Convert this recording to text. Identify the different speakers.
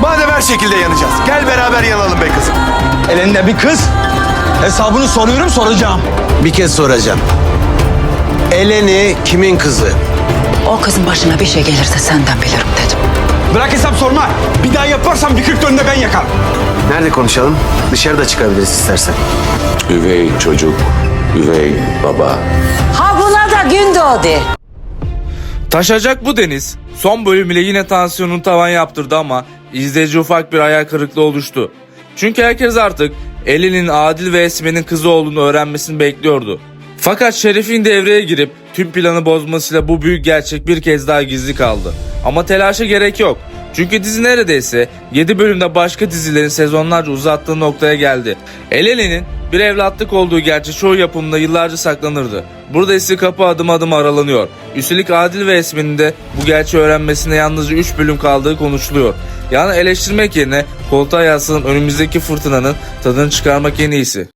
Speaker 1: Madem her şekilde yanacağız, gel beraber yanalım be kızım.
Speaker 2: Elinde bir kız. Hesabını soruyorum, soracağım.
Speaker 1: Bir kez soracağım. Eleni kimin kızı?
Speaker 3: O kızın başına bir şey gelirse senden bilirim dedim.
Speaker 2: Bırak hesap sorma. Bir daha yaparsam bir 40 önünde ben yakarım.
Speaker 1: Nerede konuşalım? Dışarıda çıkabiliriz istersen.
Speaker 4: Üvey çocuk, üvey baba.
Speaker 3: Ha buna da gün doğdu.
Speaker 5: Taşacak bu Deniz. Son bölüm ile yine tansiyonun tavan yaptırdı ama izleyici ufak bir hayal kırıklığı oluştu. Çünkü herkes artık Ellen'in Adil ve Esme'nin kızı olduğunu öğrenmesini bekliyordu. Fakat Şerif'in devreye girip tüm planı bozmasıyla bu büyük gerçek bir kez daha gizli kaldı. Ama telaşa gerek yok. Çünkü dizi neredeyse 7 bölümde başka dizilerin sezonlarca uzattığı noktaya geldi. Ellen'in bir evlatlık olduğu gerçeği çoğu yapımda yıllarca saklanırdı. Burada ise kapı adım adım aralanıyor. Üstelik Adil ve Esme'nin de bu gerçeği öğrenmesine yalnızca 3 bölüm kaldığı konuşuluyor. Yani eleştirmek yerine koltuğa yaslanıp önümüzdeki fırtınanın tadını çıkarmak en iyisi.